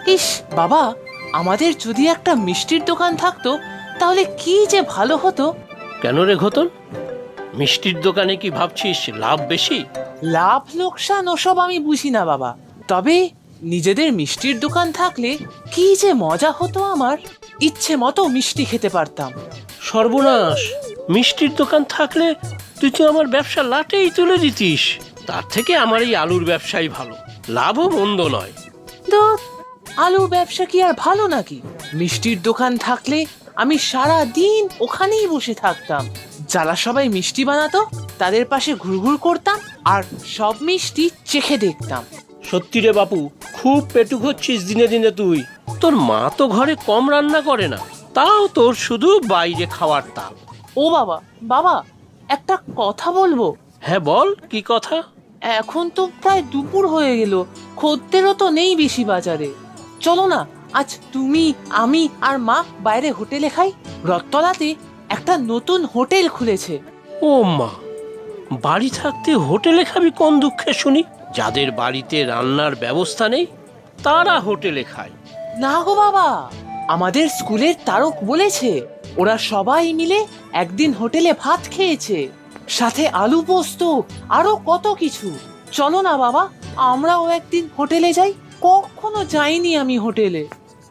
ইস বাবা, আমাদের যদি একটা মিষ্টির দোকান থাকতো তাহলে কি যে ভালো হতো। কেন রে ঘতন, মিষ্টির দোকানে কি ভাবছিস লাভ বেশি? লাভ লোকসান ওসব আমি বুঝি না বাবা, তবে নিজেদের মিষ্টির দোকান থাকলে কি যে মজা হতো। আমার ইচ্ছে মতো মিষ্টি খেতে পারতাম। সর্বনাশ, মিষ্টির দোকান থাকলে তুই তো আমার ব্যবসা লাটেই তুলে দিতিস। তার থেকে আমার এই আলুর ব্যবসাই ভালো, লাভও মন্দ নয়। ধুর, আলুর ব্যবসা কি আর ভালো নাকি? মিষ্টির দোকান থাকলে আমি সারা দিন ওখানেই বসে থাকতাম। যারা সবাই মিষ্টি বানাতো তাদের পাশে ঘুরঘুর করতাম আর সব মিষ্টি চেখে দেখতাম। সত্যি রে বাপু, খুব পেটুক হচ্ছিস দিনে দিনে তুই। তোর মা তো ঘরে কম রান্না করে না, তাও তোর শুধু বাইরে খাওয়ার তাল। ও বাবা, বাবা একটা কথা বলবো? হ্যাঁ বল, কি কথা? এখন তো প্রায় দুপুর হয়ে গেল, খদ্দেরও তো নেই বেশি বাজারে। চলো না, আজ তুমি, আমি আর মা বাইরে হোটেলে খাই। রথতলাতে একটা নতুন হোটেল খুলেছে। ও মা, বাড়ি থাকতে হোটেলে খাবি কোন দুঃখে শুনি? যাদের বাড়িতে রান্নার ব্যবস্থা নেই তারা হোটেলে খায়। না গো বাবা, আমাদের স্কুলের তারক বলেছে ওরা সবাই মিলে একদিন হোটেলে ভাত খেয়েছে, সাথে আলু পোস্ত, আরো কত কিছু। চলো না বাবা, আমরাও একদিন হোটেলে যাই। কখনো যাইনি আমি হোটেলে।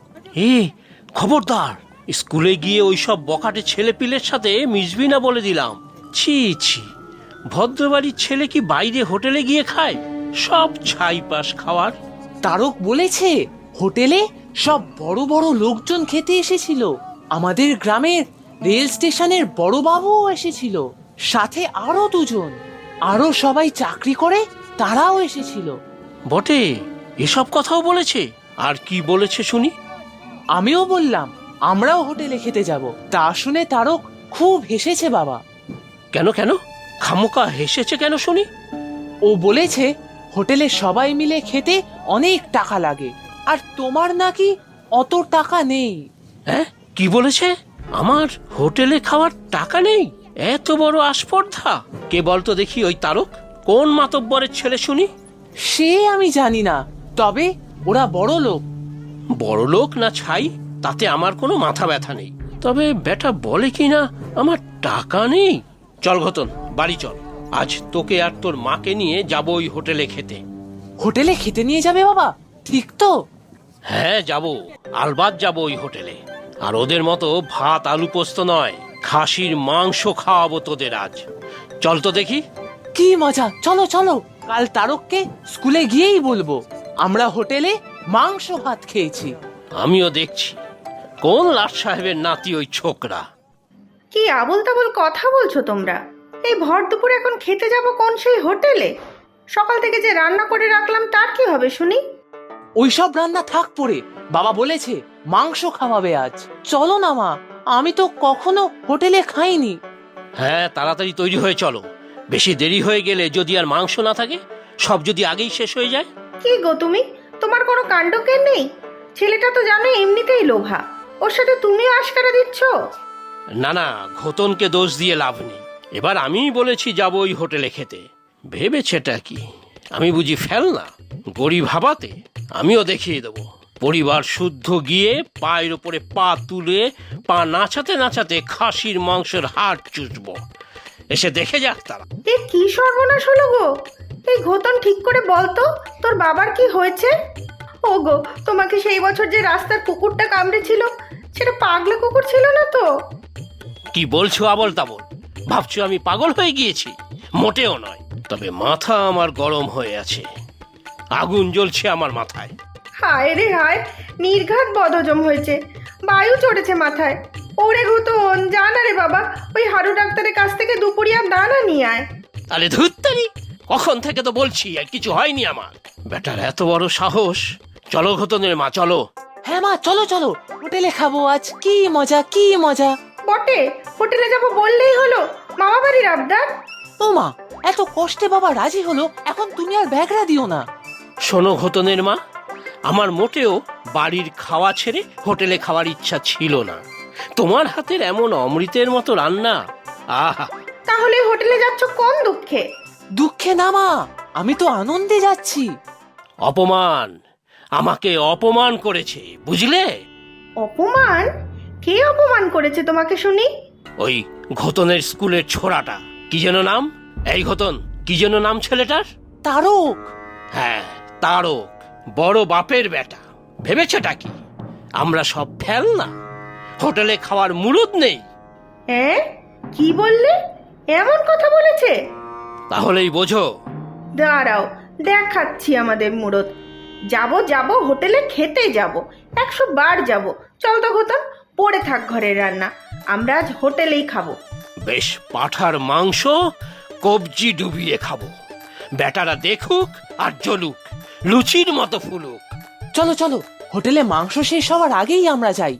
এ খবরদার, স্কুলে গিয়ে ওইসব বখাটে ছেলেপিলের সাথে মিশবি না বলে দিলাম। ছি ছি, ভদ্রবাড়ির ছেলে কি বাইরে হোটেলে গিয়ে খায়? সব ছাই পাশ খাওয়ার। তারক বলেছে হোটেলে সব বড় বড় লোকজন খেতে এসেছিল। আমাদের গ্রামের রেল স্টেশনের বড় বাবুও এসেছিল, সাথে আরো দুজন। আরো সবাই চাকরি করে, তারাও এসেছিল। বটে, এসব কথাও বলেছে? আর কি বলেছে শুনি? আমিও বললাম আমরাও হোটেলে খেতে যাব। তা শুনে তারক খুব হেসেছে বাবা। কেন কেন, খামোকা হেসেছে কেন শুনি? ও বলেছে হোটেলে সবাই মিলে খেতে অনেক টাকা লাগে, আর তোমার নাকি অত টাকা নেই। হ্যাঁ, কি বলেছে? আমার হোটেলে খাওয়ার টাকা নেই? এত বড় আস্পর্ধা! কে বলতো দেখি ওই তারক? কোন মাতব্বরের ছেলে শুনি? সে আমি জানি না, তবে ওরা বড় লোক। বড় লোক না ছাই, তাতে আমার কোনো মাথা ব্যথা নেই। তবে বেটা বলে কি না আমার টাকা নেই। চল ঘতন, বাড়ি চল। আজ তোকে আর তোর মাকে নিয়ে যাবো ওই হোটেলে খেতে। হোটেলে খেতে নিয়ে যাবে বাবা? ঠিক তো? হ্যাঁ যাব, আলবাত যাব ওই হোটেলে। আর ওদের মতো ভাত আলু পোস্ত নয়, খাসির মাংস খাওয়াবো তোদের আজ। চল তো দেখি। কি মজা! চলো চলো, কাল তারককে স্কুলে গিয়েই বলবো আমরা হোটেলে মাংস ভাত খেয়েছি। আমিও দেখছি কোন লাট সাহেবের নাতি ওই ছোকরা। কি আবোল তাবোল কথা বলছো তোমরা? এই ভর দুপুরে এখন খেতে যাব কোন সেই হোটেলে? সকাল থেকে যে রান্না করে রাখলাম তার কি হবে শুনি? ওইসব রান্না থাক পড়ে, বাবা বলেছে মাংস খাওয়াবে আজ। চলো না মা, আমি তো কখনো হোটেলে খাইনি। হ্যাঁ, তাড়াতাড়ি তৈরি হয়ে চলো। বেশি দেরি হয়ে গেলে যদি আর মাংস না থাকে, সব যদি আগেই শেষ হয়ে যায়। কি গো তুমি, তোমার কোনো কাণ্ডজ্ঞান নেই? ছেলেটা তো জানো এমনিতেই লোভা, ওর সাথে তুমিও আশকারা দিচ্ছ। না না, ঘতনকে দোষ দিয়ে লাভ নেই। এবার আমিই বলেছি যাবো ওই হোটেলে খেতে। ভেবেছেটা কি আমি বুঝি ফেল না? গরিব ভাবাতে আমিও দেখিয়ে দেবো। পরিবার শুদ্ধ গিয়ে পায়ের ওপরে পা তুলে পা নাচাতে নাচাতে খাসির মাংসের হাড় চুষবো। এসে দেখে যাক তারা। এ কি সর্বনাশ হলো গো! এই ঘোতন ঠিক করে বলতো তোর বাবার কি হয়েছে? ও গো, তোমাকে সেই বছর যে রাস্তার কুকুরটা কামড়েছিল, সেটা পাগলা কুকুর ছিল না তো? কি বলছো আবল তাবল? ভাবছো আমি পাগল হয়ে গিয়েছি? মোটেও নয়। তবে মাথা আমার গরম হয়ে আছে, আগুন জ্বলছে আমার মাথায়। হায় রে হায়, নির্ঘাত বদহজম হয়েছে, বায়ু চড়েছে মাথায়। ওরে ঘোতন, যা না রে বাবা, ওই হাড়ু ডাক্তারের কাছ থেকে দুপুরিয়া দানা নিয়ে আয়। আরে ধুত্তারি, কখন থেকে তো বলছি আর কিছু হয়নি আমার। বেটার এত বড় সাহস! চলো ঘতনের মা, চলো। হ্যাঁ মা, চলো চলো, হোটেলে খাবো আজ। কি মজা, কি মজা! বটে, হোটেলে যাবো বললেই হলো, মামা বাড়ির আবদার। ও মা, এত কষ্টে বাবা রাজি হলো, এখন তুমি আর ব্যাগরা দিও না। শোনো ঘতনের মা, আমার মোটেও বাড়ির খাওয়া ছেড়ে হোটেলে খাওয়ার ইচ্ছা ছিল না। তোমার হাতের এমন অমৃতের মতো রান্না, আহা! তাহলে হোটেলে যাচ্ছ কোন দুঃখে? দুঃখে না মা, আমি তো আনন্দে যাচ্ছি। অপমান! আমাকে অপমান করেছে, বুঝলে? অপমান? কে অপমান করেছে তোমাকে শুনি? ওই ঘোতনের স্কুলের ছোড়াটা, কি যেন নাম? এই ঘোতন, কি যেন নাম ছেলেটার? তারক। হ্যাঁ, তারক। বড় বাপের বেটা। ভেবেছেটা কি আমরা সব ফেল না? হোটেলে খাওয়ার মুরুদ নেই? হ্যাঁ, কি বললে? এমন কথা বলেছে? তাহলেই বোঝো। দাঁড়াও, দেখাচ্ছি আমাদের মুরত। যাব যাব, হোটেলে খেতে যাব, 100 বার যাব। চল তো ঘোতন, পড়ে থাক ঘরের রান্না, আমরা আজ হোটেলেই খাবো। বেশ পাঠার মাংস কবজি ডুবিয়ে খাবো। বেটারা দেখুক আর জ্বলুক, লুচির মতো ফুলুক। চলো চলো, হোটেলে মাংস শেষ হওয়ার আগেই আমরা যাই।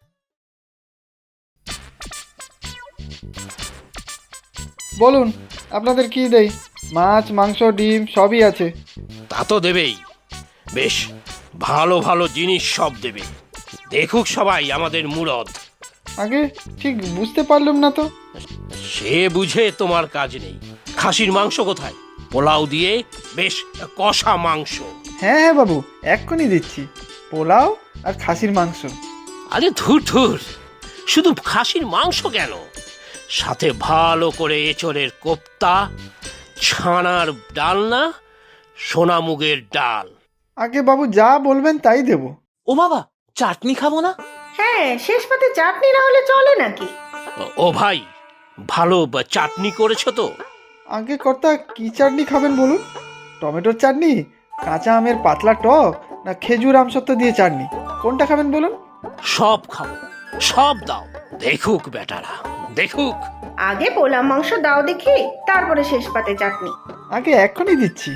বলুন, আপনাদের কি দেই? মাছ, মাংস, ডিম সবই আছে। তা তো দেবেই। বেশ ভালো ভালো জিনিস সব দেবে। দেখুক সবাই আমাদের মুরদ। আগে ঠিক বুঝতে পারলাম না তো। সে বুঝে তোমার কাজ নেই। খাসির মাংস কোথায়? পোলাও দিয়ে বেশ কষা মাংস। হ্যাঁ হ্যাঁ বাবু, এক্ষুনি দিচ্ছি। পোলাও আর খাসির মাংস। আরে ধুর ধুর, শুধু খাসির মাংস কেন, সাথে ভালো করে এঁচড়ের কোপ্তা, ছানার ডালনা, সোনামুগের ডাল। আগে বাবু যা বলবেন তাই দেব। ও বাবা, চাটনি খাবো না? হ্যাঁ, শেষ পাতে চাটনি না হলে চলে নাকি? ও ভাই, ভালো চাটনি করেছো তো? আগে কর্তা কি চাটনি খাবেন বলুন? টমেটোর চাটনি, কাঁচা আমের পাতলা টক, না খেজুর আমসত্ব দিয়ে চাটনি? কোনটা খাবেন বলুন? সব খাবো, সব দাও। দেখুক বেটারা, দেখুক। আগে পোলা মাংস দাও দেখি, তারপরে শেষ পাতে চাটনি। আগে এক্ষুনি দিচ্ছি।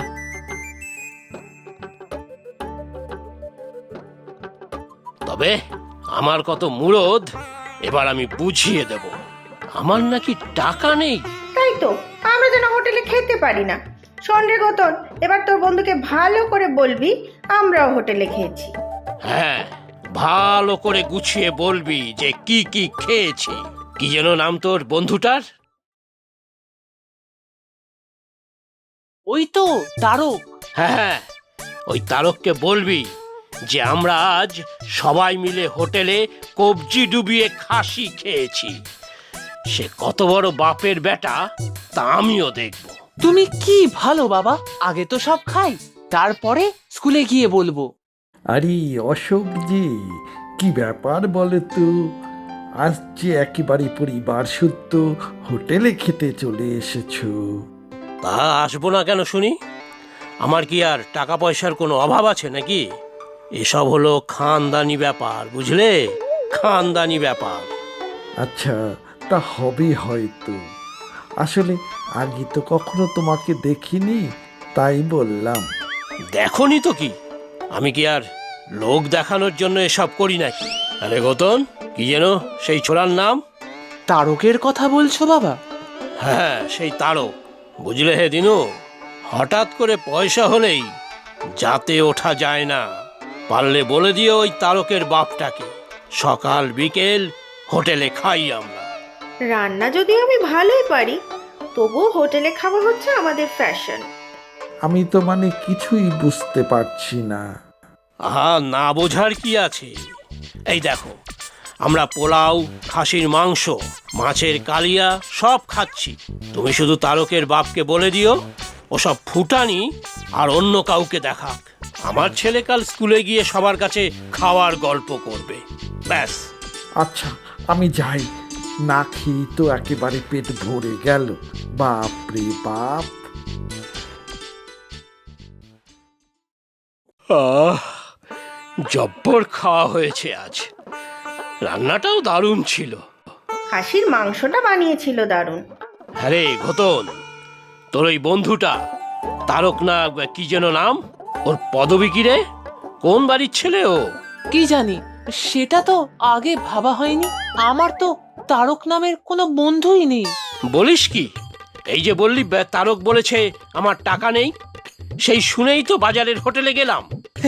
তবে আমার কত মুরদ এবার আমি বুঝিয়ে দেব। আমার নাকি টাকা নেই। তাই তো, আমরা যেন হোটেলে খেতে পারি না। শোন রে ঘোতন, এবার তোর বন্ধুকে ভালো করে বলবি আমরাও হোটেলে খেয়েছি। হ্যাঁ, ভালো করে গুছিয়ে বলবি যে কি কি খেয়েছি। কি যেন নাম তোর বন্ধুটার? ওই তো তারক। হ্যাঁ, ওই তারককে বলবি যে আমরা আজ সবাই মিলে হোটেলে কবজি ডুবিয়ে খাসি খেয়েছি। সে কত বড় বাপের বেটা তা আমিও দেখব। তুমি কি ভালো বাবা, আগে তো সব খাই, তারপরে স্কুলে গিয়ে বলবো। আরে অশোক জি, কি ব্যাপার বলো তো? আজ যে একেবারে পরিবার সূত্র হোটেলে খেতে চলে এসেছো। তা আসবো না কেন শুনি? আমার কি আর টাকা পয়সার কোনো অভাব আছে নাকি? এসব হলো খানদানি ব্যাপার, বুঝলে? খানদানি ব্যাপার। আচ্ছা, তা হবে হয়তো। আসলে আগে তো কখনো তোমাকে দেখিনি, তাই বললাম। দেখনি তো কি, আমি কি আর লোক দেখানোর জন্য এসব করি নাকি? আরে গৌতম, কি যেন সেই ছোড়ার নাম? তারকের কথা বলছো বাবা? হ্যাঁ, সেই তারক। বুঝলে হে দিনু, হঠাৎ করে পয়সা হলেই যাতে ওঠা যায় না। পারলে বলে দিও ওই তারকের বাপটাকে, সকাল বিকেল হোটেলে খাই আমরা। রান্না যদি আমি ভালোই পারি, তবুও হোটেলে খাওয়া হচ্ছে আমাদের ফ্যাশন। আমি তো মানে কিছুই বুঝতে পারছি না। আহা, না বোঝার কি আছে? এই দেখো, আমরা পোলাও, খাসির মাংস, মাছের কালিয়া সব খাচ্ছি। তুমি শুধু তারকের বাপকে বলে দিও ওসব ফুটানি আর অন্য কাউকে দেখাক। আমার ছেলে কাল স্কুলে গিয়ে সবার কাছে খাওয়ার গল্প করবে, ব্যাস। আচ্ছা, আমি যাই। না খেয়ে তো একেবারে পেট ভরে গেল। বাপ রে বাপ। জব্বর খাওয়া হয়েছে আজ। রান্নাটাও দারুণ ছিল। খাসির মাংসটা বানিয়েছিল দারুণ। হ্যাঁ রে ঘোতন, তোর ওই বন্ধুটা তারক না কি যেন নাম, ওর পদবী কি রে? কোন বাড়ির ছেলে ও? কি জানি, সেটা তো আগে ভাবা হয়নি। আমার তো তারক নামের কোনো বন্ধুই নেই। বলিস কি? এই যে বললি তারক বলেছে আমার টাকা নেই, সেই শুনেই তো বাজারের হোটেলে গেলাম।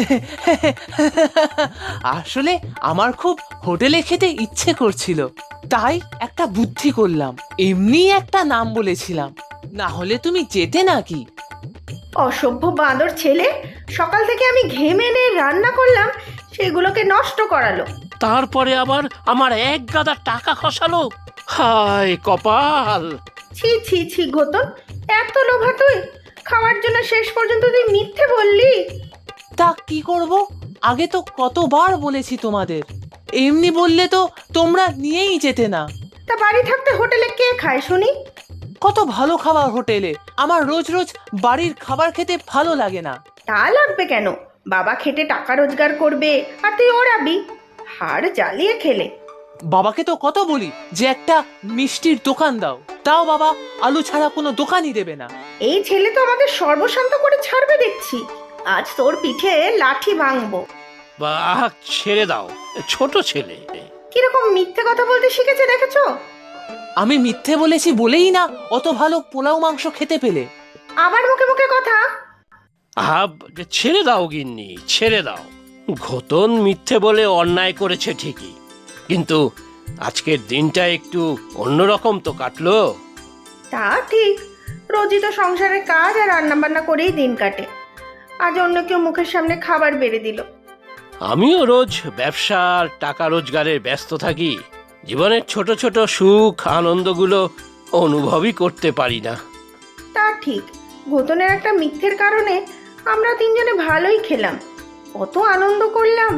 আসলে আমার খুব হোটেলে খেতে ইচ্ছে করছিল, তাই একটা বুদ্ধি করলাম, এমনি একটা নাম বলেছিলাম। না হলে তুমি যেতে নাকি? অসভ্য বাঁদর ছেলে, সকাল থেকে আমি ঘেমে এনে রান্না করলাম, সেগুলোকে নষ্ট করালো। তারপরে আবার আমার এক গাদা টাকা খসালো। হায় কপাল! ছি ছি ছি ঘোতন, এত লোভা তুই! খাওয়ার জন্য শেষ পর্যন্ত তুই মিথ্যে বললি। তা কি করব? আগে তো কতবার বলেছি তোমাদের, এমনি বললে তো তোমরা নিয়েই যেতে না। তা বাড়ি থাকতে হোটেলে কে খায় শুনি? কত ভালো খাবার হোটেলে, আমার রোজ রোজ বাড়ির খাবার খেতে ভালো লাগে না। তা লাগবে কেন? বাবা খেটে টাকা রোজগার করবে আর তুই ওড়াবি, হাড় জ্বালিয়ে খেলে। বাবাকে তো কত বলি যে একটা মিষ্টির দোকান দাও, তাও বাবা আলু ছাড়া কোনো দোকানই দেবে না। এই ছেলে তো আমাদের সর্বশান্ত করে ছাড়বে দেখছি। আজ তোর পিঠে লাঠি ভাঙবো। বাহ, ছেড়ে দাও, ছোট ছেলে। কিরকম মিথ্যে কথা বলতে শিখেছে দেখেছো? আমি মিথ্যে বলেছি বলেই না অত ভালো পোলাও মাংস খেতে পেলে। আবার মুখে মুখে কথা। আব, ছেড়ে দাও গিন্নি, ছেড়ে দাও। ঘোতন মিথ্যে বলে অন্যায় করেছে ঠিকই, কিন্তু আজকের দিনটা একটু অন্যরকম তো কাটলো। তা ঠিক, রোজই তো সংসারের কাজ আর রান্না বান্না করেই দিন কাটে। আজ অন্য কেউ মুখের সামনে খাবার বেড়ে দিল। আমিও রোজ ব্যবসা আর টাকা রোজগারের ব্যস্ত থাকি, জীবনের ছোট ছোট সুখ আনন্দগুলো অনুভবই করতে পারি না। তা ঠিক, ঘোতনের একটা মিথ্যের কারণে আমরা তিনজনে ভালোই খেলাম, কত আনন্দ করলাম।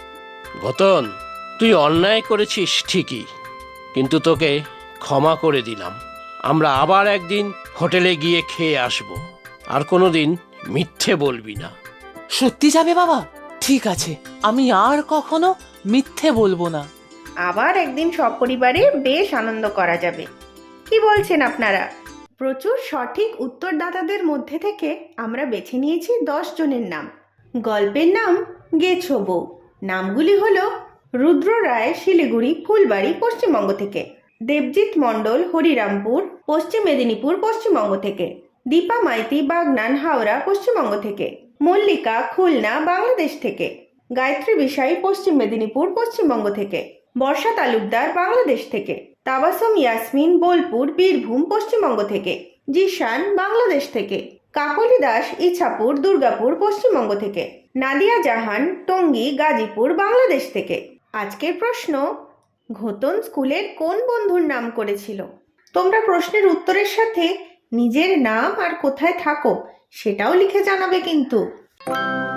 ঘোতন, তুই অন্যায় করেছিস ঠিকই, কিন্তু তোকে ক্ষমা করে দিলাম। আমরা আবার একদিন হোটেলে গিয়ে খেয়ে আসব, আর কোনোদিন মিথ্যে বলবি না। সত্যি যাবে বাবা? ঠিক আছে, আমি আর কখনো মিথ্যে বলবো না। আবার একদিন সপরিবারে বেশ আনন্দ করা যাবে। কি বলছেন আপনারা? প্রচুর সঠিক উত্তরদাতাদের মধ্যে থেকে আমরা বেছে নিয়েছি 10 জনের নাম। গল্পের নাম গেছো বউ। নামগুলি হলো রুদ্র রায়, শিলিগুড়ি, ফুলবাড়ি, পশ্চিমবঙ্গ থেকে; দেবজিৎ মণ্ডল, হরিরামপুর, পশ্চিম মেদিনীপুর, পশ্চিমবঙ্গ থেকে; দীপা মাইতি, বাগনান, হাওড়া, পশ্চিমবঙ্গ থেকে; মল্লিকা, খুলনা, বাংলাদেশ থেকে; গায়ত্রী বিষাই, পশ্চিম মেদিনীপুর, পশ্চিমবঙ্গ থেকে; বর্ষা তালুকদার, বাংলাদেশ থেকে; তাবাসম ইয়াসমিন, বোলপুর, বীরভূম, পশ্চিমবঙ্গ থেকে; জিশান, বাংলাদেশ থেকে; কাকলি দাস, ইছাপুর, দুর্গাপুর, পশ্চিমবঙ্গ থেকে; নাদিয়া জাহান, টঙ্গী, গাজীপুর, বাংলাদেশ থেকে। আজকের প্রশ্ন: ঘোতন স্কুলের কোন বন্ধুর নাম করেছিল? তোমরা প্রশ্নের উত্তরের সাথে নিজের নাম আর কোথায় থাকো সেটাও লিখে জানাবে কিন্তু।